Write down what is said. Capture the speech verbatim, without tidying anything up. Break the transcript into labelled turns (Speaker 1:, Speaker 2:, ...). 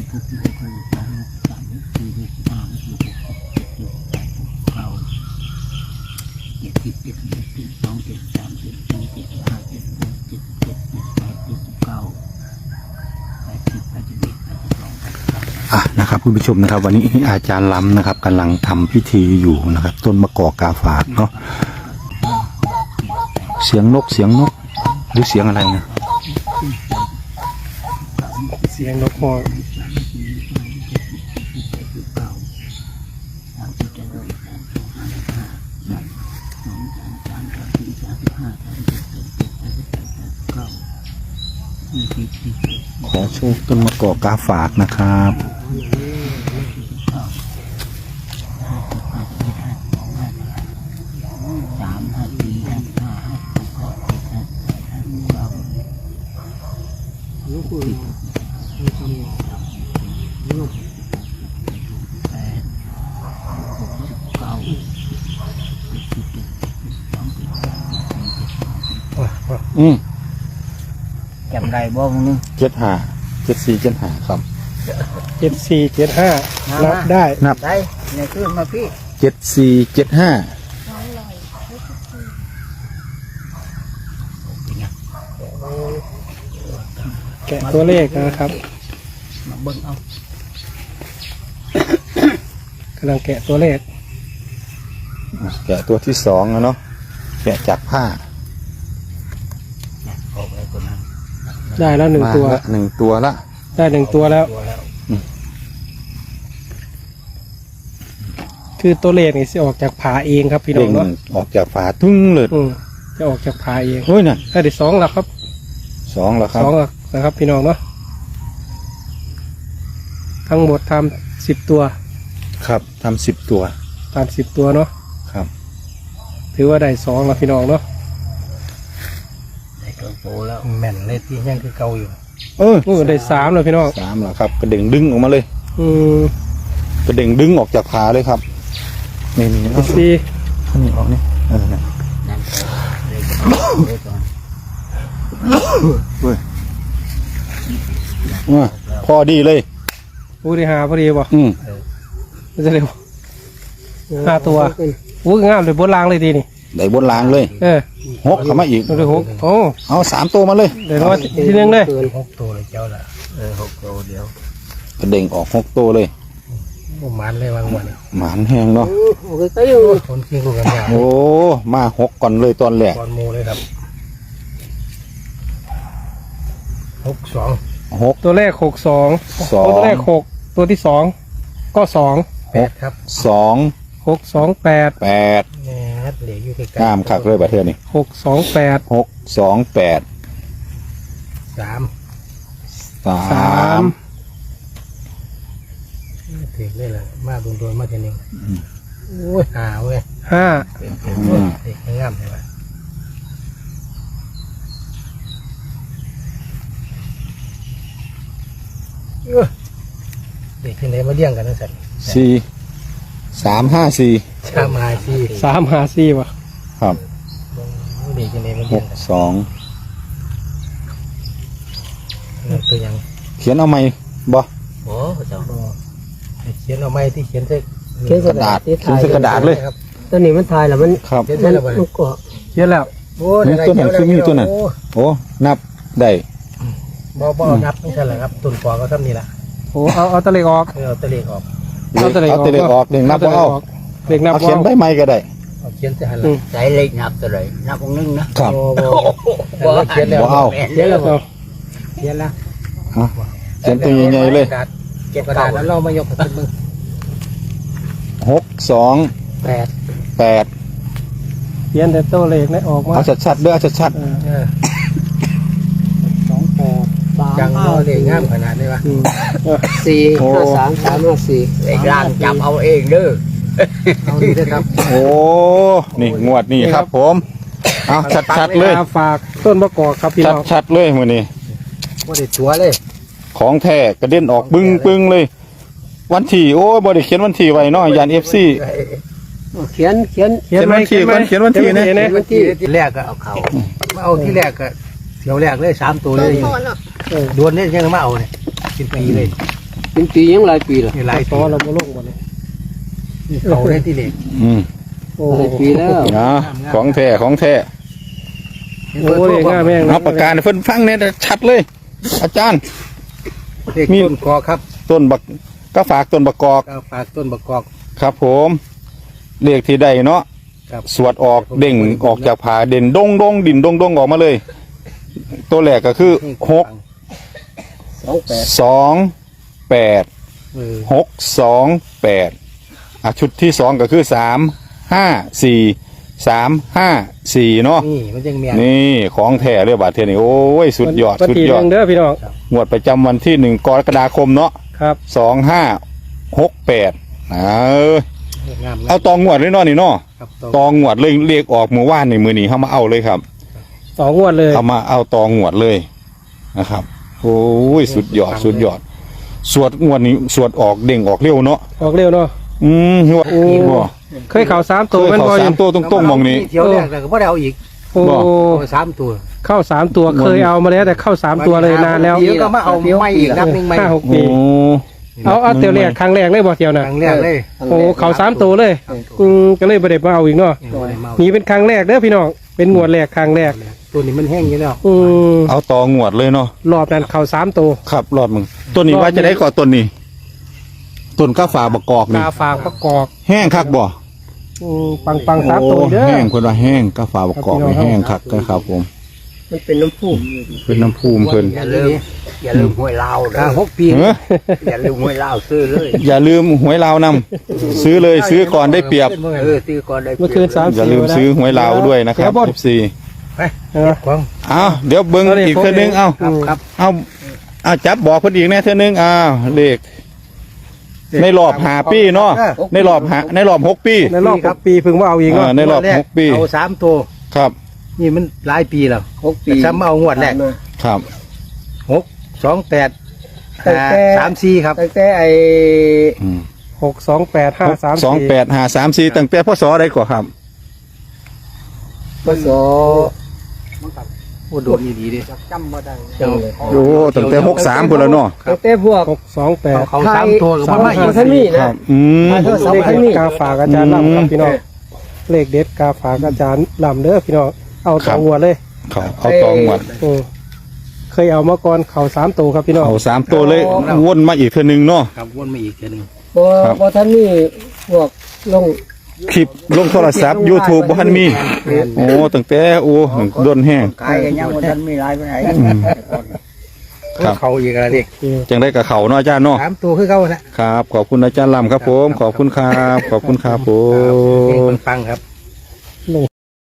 Speaker 1: อ่ะนะครับคุณผู้ชมนะครับวันนี้อาจารย์ล้ำนะครับกำลังทำพิธีอยู่นะครับต้นมะกอกกาฝากเนาะเสียงนกเสียงนกหรือเสียงอะไรนะ
Speaker 2: เสียงนกฮอก
Speaker 1: ขอโชคต้นมะกอกกาฝากนะครับอืม
Speaker 3: จำได้บ่มึงนึง
Speaker 1: เจ็ดห้าเจ็ดสี่เจ็ดห้าครับ
Speaker 2: เจ็ดสี่เจ็ดห้านับได้
Speaker 1: นับ
Speaker 3: ได้เนี่ยคือมาพี่
Speaker 1: เจ็ดสี่เจ็ดห้า
Speaker 2: แกะตัวเลขนะครับ
Speaker 3: มาเบิ่งเอา
Speaker 2: กำลังแกะตัวเลข
Speaker 1: แกะตัวที่สองนะเนาะแกะจากผ้า
Speaker 2: ได้แล้วหนึ่งตัว
Speaker 1: หนึ่งตัวละ
Speaker 2: ได้หนึ่งตัวแล้วคือตัวเลขนี่จะออกจากผาเองครับพี่น้องเนาะ
Speaker 1: ออกจากฝาทุ่งเลย
Speaker 2: จะออกจากผาเอง
Speaker 1: เฮ้ยน่ะ
Speaker 2: ได้สองแล้วครับ
Speaker 1: สองแล้วครับ
Speaker 2: สองแล้วนะครับพี่น้องเนาะทั้งหมดทำสิบตัว
Speaker 1: ครับทำสิบตัว
Speaker 2: ทำสิบตัวเนาะ
Speaker 1: ครับ
Speaker 2: ถือว่าได้สองแล้วพี่น้องเนาะ
Speaker 3: ได้เกินโตแล้วแม่นเลยที่ยังคือเก่าอยู่
Speaker 2: เออได้สามแล้วพี่น้อง
Speaker 1: สามแล้วครับกระเด้งดึงออกมาเลย
Speaker 2: อืม
Speaker 1: กระเด้งดึงออกจากผาเลยครับนี่นี่
Speaker 2: นี่สี่
Speaker 1: นี่ออกนี่เออเนี่ยเว้ยว่าพอดีเลย
Speaker 2: อู้ดีหาพอดีป่ะ
Speaker 1: อืม
Speaker 2: จะเร็วห้าตัวอู้งามเลยบนรางเลยดีนี่
Speaker 1: ได้บนรางเลย
Speaker 2: เออ
Speaker 1: หกเข้ามาอีก
Speaker 2: เลยหกโอ้
Speaker 1: เอาสามตัวมาเลย
Speaker 2: เดี๋ยวว่าทีนึงเลย
Speaker 3: หกตัวเลยเจ้าละเออหกตัวเดียว
Speaker 1: กระเด้งออกหกตัวเลย
Speaker 3: หมันเลยวางวัน
Speaker 1: หมันแห้งเนาะ
Speaker 3: โอ้ก็อยู่คนขี้กูกันยา
Speaker 1: โอ้มาหกก่อนเลยตอนแรก
Speaker 3: ตอนโมเลยครับหกสอง
Speaker 1: หก
Speaker 2: ตัวแรกหกสอง
Speaker 1: สอง
Speaker 2: ตัวแรกหกตัวที่สองก็สอง
Speaker 3: แปดครับ
Speaker 1: สอง
Speaker 2: หกสองแปด
Speaker 1: แปด
Speaker 3: เหลืออยู่ใกล้
Speaker 1: ๆงามคักเลยประเทศนี้
Speaker 2: หกสองแปด
Speaker 1: หกสองแปด
Speaker 3: สาม
Speaker 1: สาม
Speaker 3: ถึงเลยล่ะมาโดนโดนมาทีนึงโอ้ยห้าเว้ย
Speaker 2: ห้า
Speaker 3: เด็กงามใช่ไหมเด็กที่ไหนมาเลี้ยงกันนั่นสัตว์
Speaker 1: สี่สามห้าสี่
Speaker 3: สามห้าสี่
Speaker 2: สามห้าสี่วะ
Speaker 1: ครับ
Speaker 3: เด็กที่ไหนมา
Speaker 1: หก
Speaker 3: เลี้ยง
Speaker 1: สอง
Speaker 3: ตัวยัง
Speaker 1: เขียนเอาไหมบ่
Speaker 3: โอ้เจ้าเขียนเอาไหมที่เขียนใส่
Speaker 1: กระดาษเขียนใส่กระดาษเลย
Speaker 3: ตัวนี้มันทายแล้วมัน
Speaker 1: ครับ
Speaker 3: เขียนแล้วมันก็
Speaker 2: เขียนแล้ว
Speaker 3: โอ้
Speaker 1: ตัวไหนคือมีตัวนั้นโอ้นับได้
Speaker 3: บ่บ่นับไม่ใช่หรอครับตุ่นปอก็ทำนี่แหละ
Speaker 2: โอ้เอาเอาตะเล็กออก
Speaker 3: เอาตะเล็กออก
Speaker 1: เอาตะเล็กออกเด็กนับเอา
Speaker 2: เด็กนับ
Speaker 1: เขียนใบไม้ก็ได้
Speaker 3: เขียนจะหันหลังใส่เล็กนับตัวไหนนับองนึงนะครับบ่
Speaker 1: เขียนแล้วเอา
Speaker 3: เขียนแล้วเขียนแล้ว
Speaker 1: เขียนตัวใหญ่ๆเลย
Speaker 3: เก็บกระดาษแล้วเรามายกขึ้นมือ
Speaker 1: หกสอง
Speaker 3: แปด
Speaker 1: แปด
Speaker 2: เขียนแต่ตัวเลขนี่ออกมา
Speaker 1: เอาชัดๆด้วยเอาชัด
Speaker 2: ๆสองแปด
Speaker 3: สามจังเราเลยงามขนาดนี้วะ
Speaker 2: สี่ห้าสามสามห้าสี่
Speaker 3: เอกร่างจำเอาเองเด้อเอาดีด้วยครับ
Speaker 1: โอ้นี่งวดนี่ครับผมเอาชัดๆเลย
Speaker 2: ฝากต้นมะกอกครับพี่น้อง
Speaker 1: ชัดๆเลยมือนี้
Speaker 3: ว่าได้ชัวเลย
Speaker 1: ของแท้กระเด็นออกบึ้งบึ้งเลยวันที่โอ้บริเขียนวันที่ไว้เนาะยานเอฟซี
Speaker 3: เขียนเขียน
Speaker 1: เขียนวันที่เขียนวันที่เนี่ย
Speaker 3: วันที่ที่แรกก็เอาเขามาเอาที่แรกก็เที่ยวแรกเลยสามตัวเลยดวนเนี่ยยังมาเอาเนี่ยกินปีเลยเป็นปียังหลายปีละ
Speaker 2: หลายปีเราบ่ลงบ่เลย
Speaker 3: เขาได้ที่เด็ก
Speaker 1: อืม
Speaker 2: โอ้
Speaker 3: หลายปีแล้ว
Speaker 1: นะของแท้ของแท้
Speaker 2: โหเลยง่ายแม่ง
Speaker 1: เอาประกาศให้เพิ่นฟังเนี่ยชัดเลย อาจารย์
Speaker 3: เลขต้นกอกครับ
Speaker 1: ต้นบักก็ฝากต้นบักกอก
Speaker 3: ก็ฝากต้นบักกอก
Speaker 1: ครับผมเลขที่ได้เนาะ
Speaker 3: ครับ
Speaker 1: สวดออกเด้งออกจากผาเด่นดงดงดินดงดงออกมาเลย ตัวแรกก็คือหก
Speaker 3: สองแปด
Speaker 1: สองแปด
Speaker 3: เออ
Speaker 1: หกสองแปดอ่ะชุดที่สองก็คือสามห้าสี่สามห้าสี่เนาะ
Speaker 3: นี่มันยังเมียน
Speaker 1: นี่ของแท้เลยบาทเทยนี่โอ้ยสุดยอด
Speaker 2: วัน
Speaker 1: สุด
Speaker 2: ที่
Speaker 1: ย
Speaker 2: ห
Speaker 1: อด
Speaker 2: นึ่งเด้อพี่น้อง
Speaker 1: งวดประจำวันที่หนึ่งกรกฎาคมเนาะ
Speaker 2: ครับ
Speaker 1: สองห้าหกแปดเออ
Speaker 3: งาม
Speaker 1: เอาตองงวดเลยเนาะนี่เนาะ
Speaker 3: ครับ
Speaker 1: ตองงวดเลยเรียกออกมือว่านในมือนี้เข้ามาเอาเลยครับ
Speaker 2: สองงวดเลย
Speaker 1: เอามาเอาตองงวดเลยนะครับโอ้ยสุดยอดสุดยอด สวดงวดนี้สวดออกเด้งออกเร็วเนาะ
Speaker 2: ออกเร็วเนาะ
Speaker 1: อืมหัว
Speaker 2: โอ้
Speaker 1: บ่
Speaker 2: เคยเข่าสาม
Speaker 1: เค
Speaker 2: ตัวย แม่น
Speaker 1: เขา
Speaker 2: บ่อ
Speaker 1: สามตัวตรงๆมองนี้
Speaker 3: เที่ยวแรกแต่ก็ไม่ได้เอาอีก
Speaker 2: โอ้
Speaker 1: บ่
Speaker 3: เอาสามตัว
Speaker 2: เข้าสามตัวเคยเอามาแล้วแต่เข้าสามตัวเลยนานแล้ว
Speaker 3: เดี๋ยวก็มาเอาไม่อีกนับหนึ่งไม่
Speaker 2: ห้าหก
Speaker 1: โอ้
Speaker 2: ปีเอาเอาเตียวแรกครั้งแรกเลยบ่เตียว
Speaker 3: ค
Speaker 2: น่ะ
Speaker 3: รั้งแรกเลย
Speaker 2: โอ้เข่าสามตัวเลยอืมก็เลยบ่ได้มาเอาอีกเนาะ
Speaker 3: ยังไม่ได้เมา
Speaker 2: นี่เป็นครั้งแรกเด้อพี่น้องเป็นงวดแรกครั้งแรก
Speaker 3: ตัวนี้มันแห้งอยู่แล้ว
Speaker 2: อืม
Speaker 1: เอาตองวดเลยเนาะ
Speaker 2: รอบนั้นเข่าสามตัว
Speaker 1: ครับรอดมึงต้นนี้ว่าจะได้ก่อนต้นนี้ต้นก้าฝาบกกอกนี่
Speaker 2: กาฝากประกอบ
Speaker 1: แห้งคักบ่
Speaker 2: อืมปังปังๆสามตัว
Speaker 1: โอ้
Speaker 2: เด้อ
Speaker 1: แห้งเพิ่นว่าแห้งก้าฝาบกกอกนี่
Speaker 2: ครับพี่น้อง
Speaker 1: แห้งคักครับผม
Speaker 3: มันเป็นน้ำพุ
Speaker 1: เป็นน้ำภูมิเพิ่น
Speaker 3: อย่าลืมอย่าลืมห้วยลาวนะหกปี
Speaker 1: เอ้อ
Speaker 3: อย่าลืมห้วยลาวซื้อเลย
Speaker 1: อย่าลืมหวยลาวนำ ซื้อเลยซื้อก่อนได้เปรียบ
Speaker 3: เออซื้อก่อนได้ปรียบ
Speaker 2: เมื่อคืนสาม
Speaker 1: อย่าลืมซื้อหวยลาวด้วยนะครับ
Speaker 2: เดี๋ยว
Speaker 1: เอฟซี
Speaker 3: ไป
Speaker 2: เออ
Speaker 3: ของ
Speaker 1: อ้าวเดี๋ยวเบิ่ง
Speaker 2: เอาดิ
Speaker 1: อีกเทื่อนึงเอ้า
Speaker 3: ครับครับ
Speaker 1: เอาเอาจับบอกเพิ่นอีกแน่เทื่อนึงอ้าวเลขในรอบห้าปีเนาะในรอบห้าในรอบหกปี
Speaker 2: ในรอบหกปีเพิ่งว่าเอาอีก
Speaker 1: อ่า
Speaker 2: เนาะ
Speaker 1: ในรอบ
Speaker 3: งวดแก
Speaker 1: หกปี
Speaker 3: เอาสามตัว
Speaker 1: ครับ
Speaker 3: นี่มันหลายปีแล้วหกปี
Speaker 2: ปี
Speaker 3: ซ้ำเอางวดแรก
Speaker 1: ครับ
Speaker 3: หกสองแปด
Speaker 2: ตั้งแต่
Speaker 3: สามสี่ครับ
Speaker 2: ตั้งแต่ไอ้
Speaker 1: อืม
Speaker 2: หกสองแปดห้าสาม
Speaker 1: สองแปดห้าสามสี่ตั้งแต่พศใดกว่าครับ
Speaker 2: พศ
Speaker 3: โอ้โดนดีๆดิจำบ่ได้จำเลย
Speaker 1: โอ้ตั้งแต่หกสามพุ่นแล้วเนาะ
Speaker 2: ตั้งแต่พวกหกสองแปด
Speaker 3: เขาสามตัวกับ
Speaker 2: สาม
Speaker 3: มาอีก
Speaker 2: ท่านนี่
Speaker 1: ค
Speaker 2: นะ
Speaker 1: รับอืม
Speaker 2: เลขเด็ดกาฝากอาจารย์ลำครับพี่น้องเลขเด็ดกาฝากอาจารย์ลำเด้อพี่น้องเอาต่องวดเลย
Speaker 1: เขาเอาตองหมด
Speaker 2: อืมเคยเอามาก่อนเข่าสามตัวครับพี่น้อง
Speaker 1: เอาสามตัวเลยวนมาอีกเทื่อนึงเนาะ
Speaker 3: ครับวนมาอีกทีหนึง
Speaker 2: บ่
Speaker 1: ครับ
Speaker 2: บ่ท่านนี่พวกลง
Speaker 1: คลิปลงโทรศัพท์ YouTube บ่ทันมี โอ้ตั้งแต่โอ้โดนแห้ง
Speaker 3: กายกันยังวันนั้นมีลายไปไหน
Speaker 1: ครับ
Speaker 3: เขาอีกอะไรเด็ก
Speaker 1: จังได้กับเขาเนาะอาจารย์เนาะ
Speaker 3: สามตัวคือเขานะครับ
Speaker 1: ขอบคุณอาจารย์ลำครับผม ขอบคุณครับ ขอบคุณครับผ
Speaker 3: เพลง
Speaker 1: ม
Speaker 3: ปังๆครับ